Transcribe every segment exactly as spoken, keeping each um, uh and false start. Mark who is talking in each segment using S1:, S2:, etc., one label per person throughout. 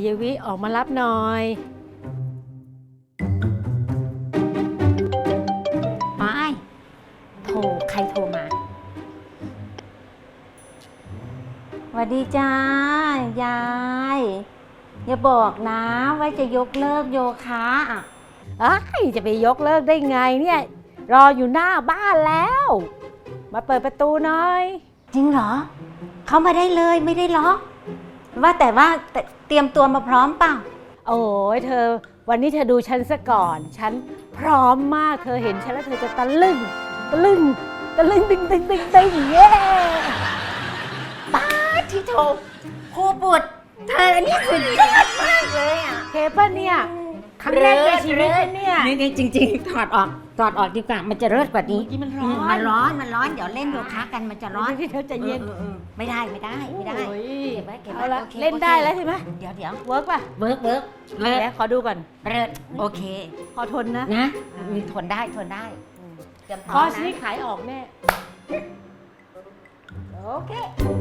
S1: ยวิออกมารับหน่อย
S2: ไปโทรใครโทรมาสวัสดีจ้ายายอย่าบอกนะว่าจะยกเลิกโยคะอ่ะ
S1: เอ้ยจะไปยกเลิกได้ไงเนี่ยรออยู่หน้าบ้านแล้วมาเปิดประตูหน่อย
S2: จริงเหรอเข้ามาได้เลยไม่ได้ล็อกว่าแต่ว่าเตรียมตัวมาพร้อมเปล่า
S1: โอ้ยเธอวันนี้เธอดูฉันซะก่อนฉันพร้อมมากเธอเห็นฉันแล้วเธอจะตะลึงตะลึงตะลึงตึงตึงตึงตึงเย้
S2: ป้าที่โทรครูบุตรเธอนี่สุดยอดมากเลยอ่ะ
S1: เคป่ะเนี่ยครั้งแรกในชีวิตเนี่ย
S2: นี่จริงๆถอดออกถอดออกดีกว่ามันจะเลิศกว่านี้
S1: มันร้อน
S2: มันร้อนมันร้อนเดี๋ยวเล่นโยคะกันมันจะร้อน
S1: ที่เธอจะเย็น
S2: ไม่ได้ไม่ได้ไม่ได้
S1: เก็บไว้เก็บไว้เล่นได้แล้วใช่ไหม
S2: เดี๋ยวเดี๋ยว
S1: เวิร์กป่ะ
S2: เวิร์กเวิร์ก
S1: เดี๋ยวขอดูก่อน
S2: เลิศโอเค
S1: ขอทนนะ
S2: นะทนได้ทนได้
S1: คอร์สนี้ขายออกแน่โอเค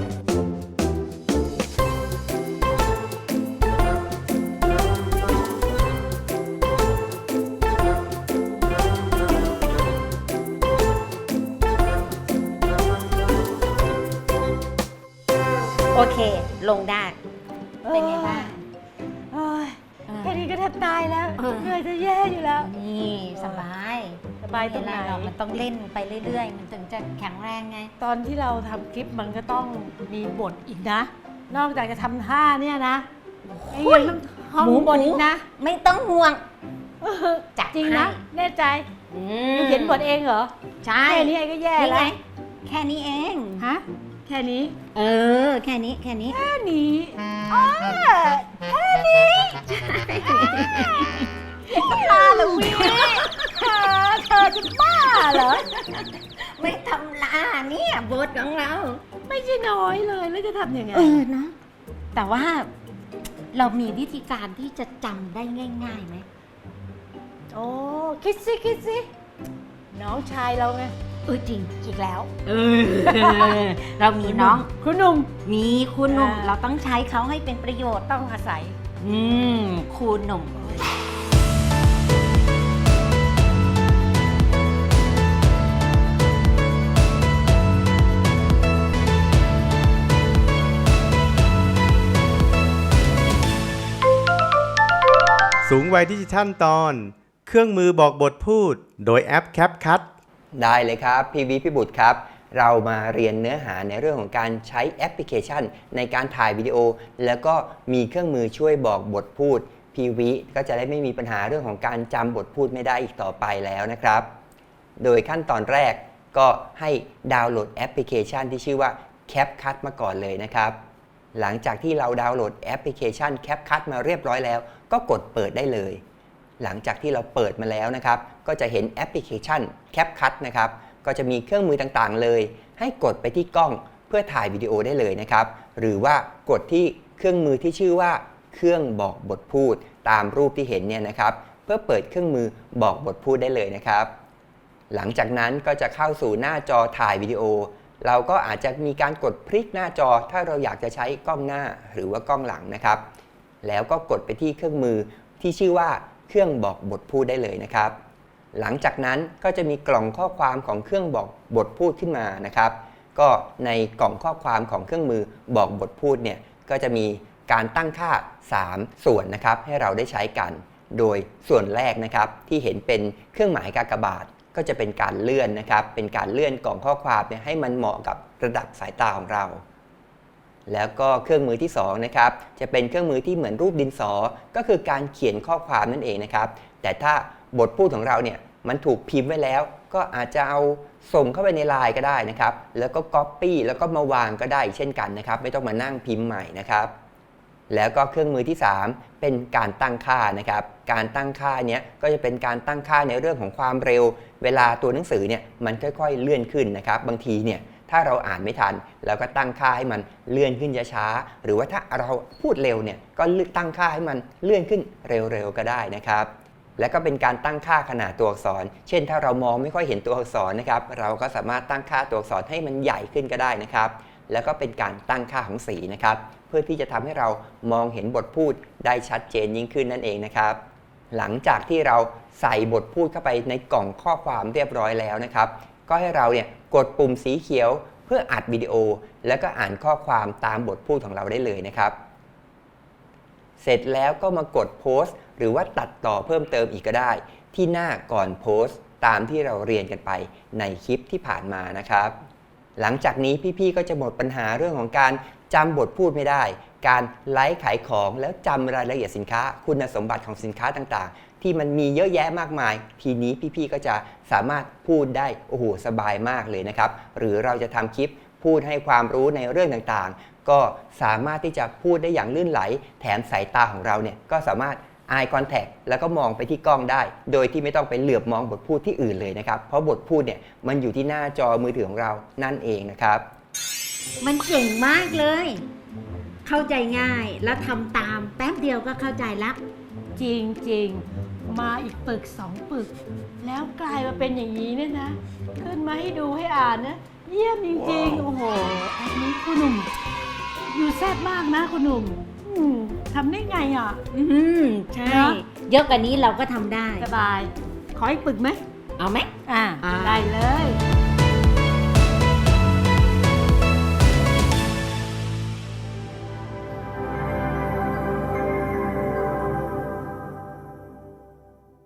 S2: โอเคลงได้เป็นไงบ้าง
S1: แค่นี้ก็แทบตายแล้วเหนื่อยจะแย่อยู่แล้ว
S2: นี่สบาย
S1: สบายตรงไหน
S2: เรามันต้องเล่นไปเรื่อยๆมันถึงจะแข็งแรงไง
S1: ตอนที่เราทำคลิปมันก็ต้องมีบทอีกนะนอกจากจะทำท่าเนี่ยนะไอ้ยังต้องท่องบทอีกนะ
S2: ไม่ต้องห่วง
S1: จัดจริงนะแน่ใจเขียนบทเองเหรอ
S2: ใช่
S1: แค่นี้ไอ้ก็แย่แล้ว
S2: แค่นี้เอง
S1: ฮะแค่นี้
S2: เออแค่นี้แค่นี้
S1: แค่นี้อ๋อแค่นี้บ้าเหรอวิเธอเธอจะบ้าเหรอ
S2: ไม่ทำลาเนี่ยบทของเรา
S1: ไม่ใช่น้อยเลยแล้วจะทำยังไง
S2: เออนะแต่ว่าเรามีวิธีการที่จะจำได้ง่ายๆไหม
S1: โอ้คิดสิคิดสิน้องชายเราไง
S2: เออจริง
S1: อีกแล้ว
S2: เออเรามีน้อง
S1: คุณหนุ่ม
S2: มีคุณหนุ่มเราต้องใช้เขาให้เป็นประโยชน์
S1: ต้องอาศัย
S2: อืมคุณหนุ่ม
S3: สูงวัยดิจิทัลตอนเครื่องมือบอกบทพูดโดยแอป CapCut
S4: ได้เลยครับพี่วิพี่บุตรครับเรามาเรียนเนื้อหาในเรื่องของการใช้แอปพลิเคชันในการถ่ายวิดีโอแล้วก็มีเครื่องมือช่วยบอกบทพูดพี่วิก็จะได้ไม่มีปัญหาเรื่องของการจำบทพูดไม่ได้อีกต่อไปแล้วนะครับโดยขั้นตอนแรกก็ให้ดาวน์โหลดแอปพลิเคชันที่ชื่อว่า CapCut มาก่อนเลยนะครับหลังจากที่เราดาวน์โหลดแอปพลิเคชัน CapCut มาเรียบร้อยแล้วก็กดเปิดได้เลยหลังจากที่เราเปิดมาแล้วนะครับก็จะเห็นแอปพลิเคชัน CapCut นะครับก็จะมีเครื่องมือต่างๆเลยให้กดไปที่กล้องเพื่อถ่ายวิดีโอได้เลยนะครับหรือว่ากดที่เครื่องมือที่ชื่อว่าเครื่องบอกบทพูดตามรูปที่เห็นเนี่ยนะครับเพื่อเปิดเครื่องมือบอกบทพูดได้เลยนะครับหลังจากนั้นก็จะเข้าสู่หน้าจอถ่ายวิดีโอเราก็อาจจะมีการกดพลิกหน้าจอถ้าเราอยากจะใช้กล้องหน้าหรือว่ากล้องหลังนะครับแล้วก็กดไปที่เครื่องมือที่ชื่อว่าเครื่องบอกบทพูดได้เลยนะครับหลังจากนั้นก็จะมีกล่องข้อความของเครื่องบอกบทพูดขึ้นมานะครับก็ในกล่องข้อความของเครื่องมือบอกบทพูดเนี่ยก็จะมีการตั้งค่าสามส่วนนะครับให้เราได้ใช้กันโดยส่วนแรกนะครับที่เห็นเป็นเครื่องหมายกากบาทก็จะเป็นการเลื่อนนะครับเป็นการเลื่อนกล่องข้อความเนี่ยให้มันเหมาะกับระดับสายตาของเราแล้วก็เครื่องมือที่สองนะครับจะเป็นเครื่องมือที่เหมือนรูปดินสอก็คือการเขียนข้อความนั่นเองนะครับแต่ถ้าบทพูดของเราเนี่ยมันถูกพิมพ์ไว้แล้วก็อาจจะเอาส่งเข้าไปในไลน์ก็ได้นะครับแล้วก็ Copy แล้วก็มาวางก็ได้เช่นกันนะครับไม่ต้องมานั่งพิมพ์ใหม่นะครับแล้วก็เครื่องมือที่สามเป็นการตั้งค่านะครับการตั้งค่าเนี้ยก็จะเป็นการตั้งค่าในเรื่องของความเร็วเวลาตัวหนังสือเนี่ยมันค่อยๆเลื่อนขึ้นนะครับบางทีเนี่ยถ้าเราอ่านไม่ทันเราก็ตั้งค่าให้มันเลื่อนขึ้นช้าๆหรือว่าถ้าเราพูดเร็วเนี่ยก็ตั้งค่าให้มันเลื่อนขึ้นเร็วๆก็ได้นะครับและก็เป็นการตั้งค่าขนาดตัวอักษรเช่นถ้าเรามองไม่ค่อยเห็นตัวอักษรนะครับเราก็สามารถตั้งค่าตัวอักษรให้มันใหญ่ขึ้นก็ได้นะครับแล้วก็เป็นการตั้งค่าของสีนะครับเพื่อที่จะทำให้เรามองเห็นบทพูดได้ชัดเจนยิ่งขึ้นนั่นเองนะครับหลังจากที่เราใส่บทพูดเข้าไปในกล่องข้อความเรียบร้อยแล้วนะครับก็ให้เราเนี่ยกดปุ่มสีเขียวเพื่ออัดวิดีโอแล้วก็อ่านข้อความตามบทพูดของเราได้เลยนะครับเสร็จแล้วก็มากดโพสต์หรือว่าตัดต่อเพิ่มเติมอีกก็ได้ที่หน้าก่อนโพสต์ตามที่เราเรียนกันไปในคลิปที่ผ่านมานะครับหลังจากนี้พี่ๆก็จะหมดปัญหาเรื่องของการจำบทพูดไม่ได้การไลฟ์ขายของแล้วจำรายละเอียดสินค้าคุณสมบัติของสินค้าต่างๆที่มันมีเยอะแยะมากมายทีนี้พี่ๆก็จะสามารถพูดได้โอ้โหสบายมากเลยนะครับหรือเราจะทำคลิปพูดให้ความรู้ในเรื่องต่างๆก็สามารถที่จะพูดได้อย่างลื่นไหลแถมสายตาของเราเนี่ยก็สามารถ eye contact แล้วก็มองไปที่กล้องได้โดยที่ไม่ต้องไปเหลือบมองบทพูดที่อื่นเลยนะครับเพราะบทพูดเนี่ยมันอยู่ที่หน้าจอมือถือของเรานั่นเองนะครับ
S2: มันเก่งมากเลย เข้าใจง่ายแล้วทำตามแป๊บเดียวก็เข้าใจละ
S1: จริงจริงๆมาอีกปึกสองปึก แล้วกลายมาเป็นอย่างนี้เนี่ยนะ ขึ้นมาให้ดูให้อ่านนะ เยี่ยมจริงๆ โอ้โหแอปนี้คุณหนุ่ม อยู่แซ่บมากนะคุณหนุ่มอืมทำได้ไงอ่ะ
S2: อืมใช่
S1: เนอะ
S2: เยอะกว่านี้เราก็ทำได้
S1: สบาย ขออีกปึกไหม
S2: เอาไหม
S1: อ่า
S2: อ่า
S1: ได้เลย